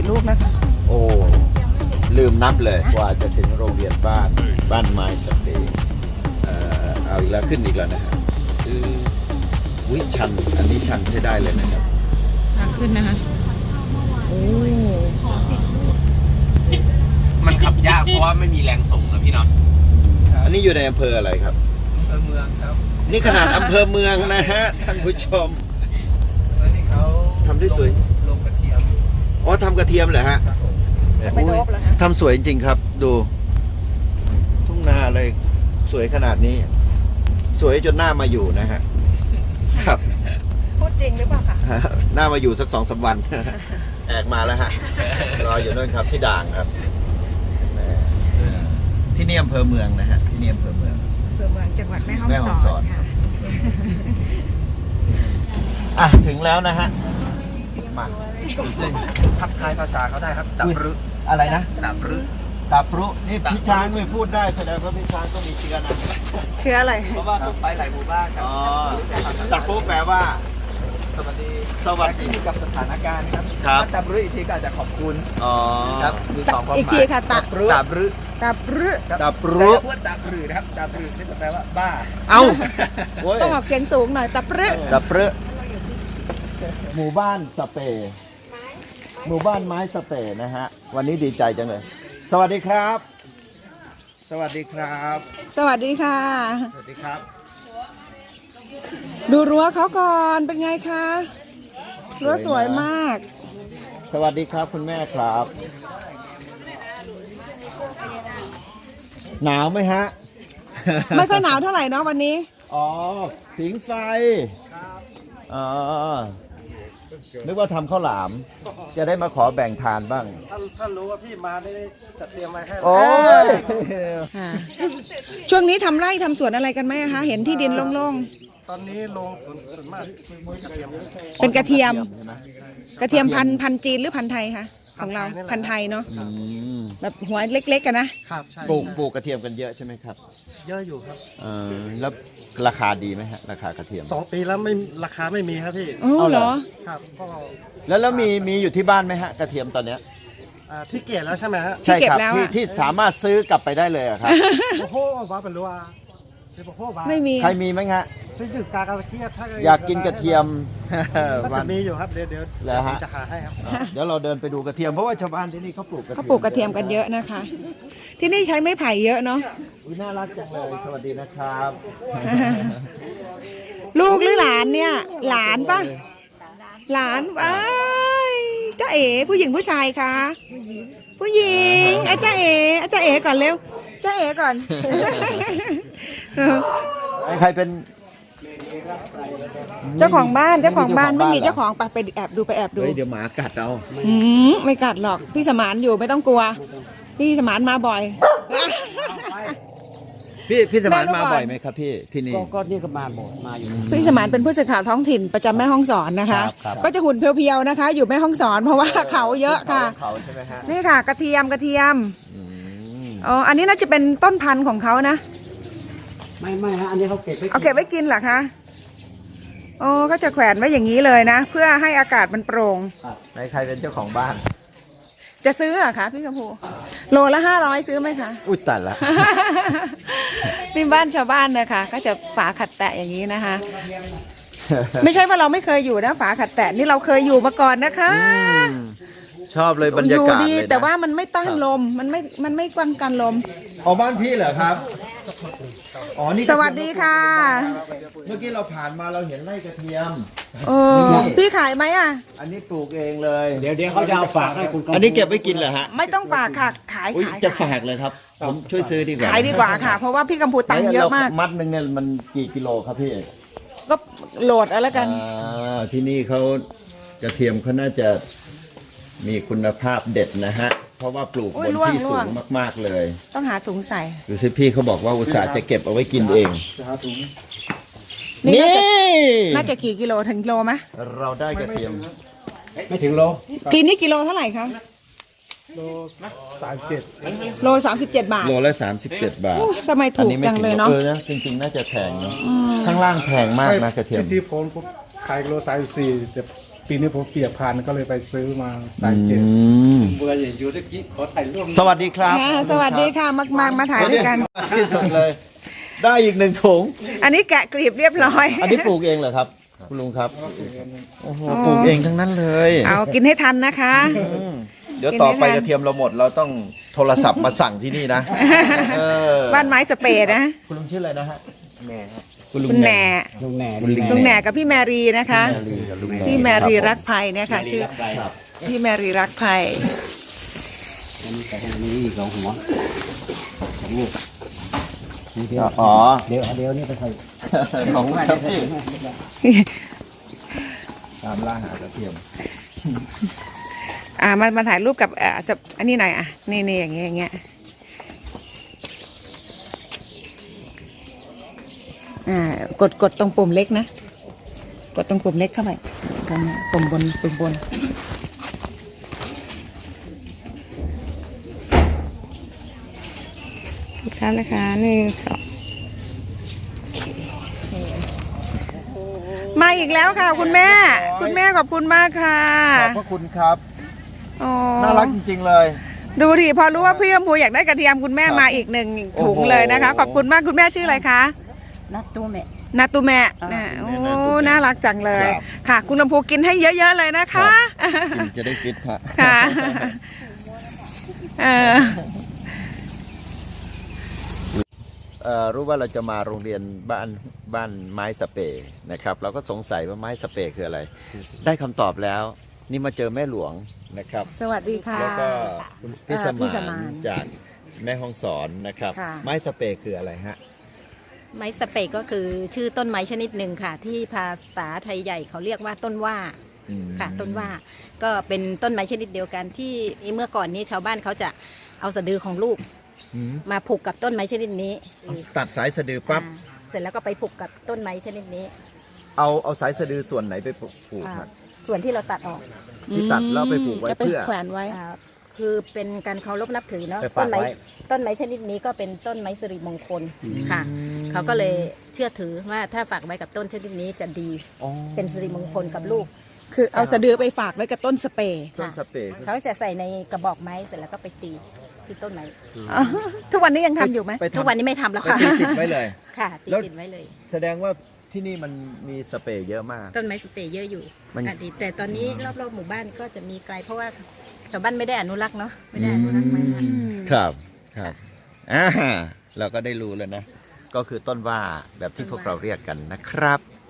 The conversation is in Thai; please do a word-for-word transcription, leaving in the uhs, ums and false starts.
กี่ลูกแล้วคะโอ้ลืมนับเลยกว่าจะถึงโรงเรียนบ้านบ้านไม้สเปนเอ่อเอาอีกแล้วขึ้นอีกแล้วนะฮะคือวิชันอันนี้ชันใช้ได้เลยนะครับทางขึ้นนะคะโอ้มันขับยากเพราะว่าไม่มีแรงส่งนะพี่เนาะอันนี้อยู่ในอำเภออะไรครับอำเภอเมืองครับนี่ขนาดอำเภอเมืองนะฮะท่านผู้ชมแล้วนี่เขาทำได้สวยลงกระเทียมอ๋อทำกระเทียมเหรอฮะไปโดบแล้วคะทำสวยจริงๆครับดูทุ่งนาเลยสวยขนาดนี้ สวยจนหน้ามาอยู่นะฮะครับพูดจริงหรือเปล่าคะหน้ามาอยู่สักสองสามวันแอกมาแล้วฮะรออยู่นู่นครับที่ด่างครับที่นี่อำเภอเมืองนะฮะที่นี่อำเภอเมืองอำเภอเมืองจังหวัดแม่ฮ่องสอนค่ะอ่ะถึงแล้วนะฮะมาทักทายภาษาเขาได้ครับตับรึอะไรนะตับรึตับรุนี่พี่ช้างไม่พูดได้แสดงว่าพี่ช้างก็มีเชื้อนะเชื้ออะไรเพราะว่าต้องไปหลายหมู่บ้านครับอ๋อตับรุแปลว่าสวัสดีสวัสดีกับสถานการณ์ครับครับตับรึอีกทีก็อาจจะขอบคุณอ๋อครับมีสองความหมายอีกทีค่ะตับรึตับรึตับรึตับรึพูดตับรึนะครับตับรึนี่แปลว่าบ้าเอ้าต้องออกเสียงสูงหน่อยตับรึตับรึหมู่บ้านสเปย์หมู่บ้านไม้สเปย์นะฮะวันนี้ดีใจจังเลยสวัสดีครับสวัสดีครับสวัสดีค่ะสวัสดีครับดูรั้วเขาก่อนเป็นไงคะรั้วสวยมากสวัสดีครับคุณแม่ครับหนาวไหมฮะไม่ค่อยหนาวเท่าไหร่เนาะวันนี้อ๋อผิงไฟอ๋อนึกว่าทำข้าวหลามจะได้มาขอแบ่งทานบ้างท่านท่านรู้ว่าพี่มาได้จัดเตรียมมาให้โอ้ยช่วงนี้ทำไร่ทำสวนอะไรกันไหมคะเห็นที่ดินโล่งๆตอนนี้ลงส่วนส่วนมากกระเทียมเป็นกระเทียมกระเทียมพันพันจีนหรือพันไทยคะของเราพันไทยเนาะแบบหัวเล็กๆกันนะครับปลูกปลูกกระเทียมกันเยอะใช่ไหมครับเยอะอยู่ครับเออแล้วราคาดีไหมฮะราคากระเทียมสองปีแล้วไม่ราคาไม่มีครับพี่เอาเหรอครับก็แล้วแล้วมีมีอยู่ที่บ้านไหมฮะกระเทียมตอนเนี้ยที่เกียรแล้วใช่ไหมฮะใช่ครับที่ที่สามารถซื้อกลับไปได้เลยครับโอ้โหว่าเป็นรัวไม่มีใครมีไหมฮะซื้อจุดกากระเทียมอยากกินกระเทียมจะมีอยู่ครับเดี๋ยวเดี๋ยวจะหาให้ครับเดี๋ยวเราเดินไปดูกระเทียมเพราะว่าชาวบ้านที่นี่เขาปลูกกระเทียมเขาปลูกกระเทียมกันเยอะนะคะ ที่นี่ใช้ไม้ไผ่เยอะเนาะอุ้ยน่ารักจังเลยสวัสดีนะครับลูกหรือหลานเนี่ยหลานปะหลานว้ายจ้าเอ๋ผู้หญิงผู้ชายคะผู้หญิงไอ้จ้าเอ๋ไอ้จ้าเอ๋ก่อนเร็วจ้าเอ๋ก่อนใครเป็นเจ้าของบ้านเจ้าของบ้านไม่มีเจ้าของไปไปแอบดูไปแอบดูเดี๋ยวหมากัดเอาอืมไม่กัดหรอกพี่สมานอยู่ไม่ต้องกลัวพี่สมานมาบ่อยพี่พี่สมานมาบ่อยไหมครับพี่ที่นี่ก็นี่ก็มาบ่อยมาอยู่พี่สมานเป็นผู้สื่อข่าวท้องถิ่นประจำแม่ฮ่องสอนนะคะก็จะหุ่นเพียวๆนะคะอยู่แม่ฮ่องสอนเพราะว่าเขาเยอะค่ะนี่ค่ะกระเทียมกระเทียมอ๋ออันนี้น่าจะเป็นต้นพันธุ์ของเขานะไม่ไม่ฮะอันนี้เขาเก็บไว้เอาเก็บไว้กินเหรอคะโอ้ก็จะแขวนไว้อย่างนี้เลยนะเพื่อให้อากาศมันโปร่งใครใครเป็นเจ้าของบ้านจะซื้ออะคะพี่กำพูโลละห้าร้อยซื้อไหมคะอุ้ยตัดละนี่บ้านชาวบ้านนะคะก็จะฝาขัดแตะอย่างนี้นะคะไม่ใช่ว่าเราไม่เคยอยู่นะฝาขัดแตะนี่เราเคยอยู่มาก่อนนะคะชอบเลยบรรยากาศเลยนะแต่ว่ามันไม่ต้านลมมันไม่มันไม่ป้องกันลมอ๋อบ้านพี่เหรอครับอ๋อนี่สวัสดีค่ะเมื่อกี้เราผ่านมาเราเห็นไร่กระเทียมโอ้พี่ขายไหมอ่ะอันนี้ปลูกเองเลยเดี๋ยวเดี๋ยวเขาจะเอาฝากให้คุณอันนี้เก็บไว้กินเหรอฮะไม่ต้องฝากค่ะขายขายจะฝากเลยครับผมช่วยซื้อดีกว่าขายดีกว่าค่ะเพราะว่าพี่กัมพูตังเยอะมากมัดหนึ่งเนี่ยมันกี่กิโลครับพี่ก็โหลดเอาแล้วกันที่นี่เขากระเทียมเขาน่าจะมีคุณภาพเด็ดนะฮะเพราะว่าปลูกบนที่สูงมากๆเลยต้องหาถุงใส่ดูสิพี่เขาบอกว่าอุตส่าห์จะเก็บเอาไว้กินเองนี่น่าจะกี่กิโลถึงโลไหมเราได้กระเทียมไม่ถึงโลกินนี่กิโลเท่าไหร่คะโลสามสิบเจ็ดโลสามสิบเจ็ดบาทโลละสามสิบเจ็ดบาททำไมถูกจังเลยเนาะเออนะจริงๆน่าจะแพงเนาะข้างล่างแพงมากนะกระเทียมที่ผมขายโลสามสิบสี่ปีนี้ผมเปียกพันก็เลยไปซื้อมาสายเจ็ดเบื่ออย่างอยู่ตะกี้ขอถ่ายรูปสวัสดีครับอ่าสวัสดีค่ะมามามาถ่ายด้วยกันที่สุดเลย ได้อีกหนึ่งถุงอันนี้แกะกลีบเรียบร้อยอันนี้ปลูกเองเหรอครับ คุณลุงครับ โอ้โห ปลูกเองทั้งนั้นเลยเอากินให้ทันนะคะอืมเดี๋ยวต่อไปกระเทียมเราหมด เราต้องโทรศัพท์มาสั่งที่นี่นะเออบ้านไม้สเปรดนะคุณลุงชื่ออะไรนะฮะแม่ครับคุณลุงคุณแหน่ลุงแหน่ลุงแหน่กับพี่แมรี่นะคะแมรี่กับลุงแหน่พี่แมรี่รักคภัยเนี่ยค่ะชื่อครับพี่แมรี่รักภัยอันนี้แต่อันนี้สองหัวสองลูกอ๋อเดี๋ยวเดี๋ยวนี่ไปใส่ของคุณครับพี่ตามล่าหากระเทียมอ่ามามาถ่ายรูปกับอ่าสับอันนี้หน่อยอ่ะนี่นี่อย่างเงี้ยอย่างเงี้ยอ่ากดกดตรงปุ่มเล็กนะ กดตรงปุ่มเล็กเข้าไปตรงนี้ปุ่มบนปุ่มบนครับนะคะหนึ่งสองมาอีกแล้วค่ะ คุณแม่ คุณแม่ขอบคุณมากค่ะขอบพระคุณครับโอ้น่ารักจริงๆเลยดูดิพอรู้ว่าพี่อมพูอยากได้กระเทียมคุณแม่มาอีกหนึ่งถุงโอ้โหเลยนะคะ ขอบคุณมากคุณแม่ชื่ออะไรคะนัดตู้แม่นาตุแมะอ่านะโอ้นาตุแมะน่ารักจังเลยครับค่ะ คุณอมพูกินให้เยอะๆเลยนะคะกินจะได้ฟิตฮะค่ะเออเอ่อรู้ว่าเราจะมาโรงเรียนบ้านบ้านไม้สเปรย์นะครับ เราก็สงสัยว่าไม้สเปรย์คืออะไร ได้คำตอบแล้ว นี่มาเจอแม่หลวงนะครับสวัสดีค่ะแล้วก็คุณพี่สเอ่อพี่สมามาน นจากแม่ฮ่องสอนนะครับค่ะไม้สเปรย์คืออะไรฮะไม้สเปกก็คือชื่อต้นไม้ชนิดหนึ่งค่ะ ที่ภาษาไทยใหญ่เขาเรียกว่าต้นว่าอืมค่ะ ต้นว่าก็เป็นต้นไม้ชนิดเดียวกันที่เมื่อก่อนนี้ชาวบ้านเขาจะเอาสะดือของลูกอืมมาผูกกับต้นไม้ชนิดนี้ตัดสายสะดือปั๊บอ่าเสร็จแล้วก็ไปผูกกับต้นไม้ชนิดนี้เอาเอาสายสะดือส่วนไหนไปผูกอ่าฮะส่วนที่เราตัดออกที่ตัดแล้วไปผูกไว้จะไปเพื่อแขวนไว้อ่าคือเป็นการเคารพนับถือเนาะไปต้ฝากนไม้ไว้ต้นไม้ชนิดนี้ก็เป็นต้นไม้สิริมงคลค่ะ เขาก็เลยเชื่อถือว่าถ้าฝากไว้กับต้นชนิดนี้จะดีอ๋อเป็นสิริมงคลกับลูกคือเอาสะดือไปฝากไว้กับต้นสเปรย์ต้นสเปรย์เขาจะใส่ในกระบอกไม้เสร็จแล้วก็ไปตีที่ต้นไม้อ๋อทุกวันนี้ยังทำอยู่ไหมไปทำทุกวันนี้ไม่ทำแล้วไปค่ะตีติดไว้เลยค่ะตีแล้วติดไว้เลยแสดงว่าที่นี่มันมีสเปรย์เยอะมากต้นไม้สเปรย์เยอะอยู่มันอดีตแต่ตอนนี้รอบๆหมู่บ้านก็จะมีไกลเพราะว่าชาวบ้านไม่ได้อนุรักษ์เนาะไม่ได้อนุรักษ์ไม้ค่ะครับครับอ่าเราก็ได้รู้แล้วนะ ก็คือต้นว่าแบบที่พวกเราเรียกกันนะครับ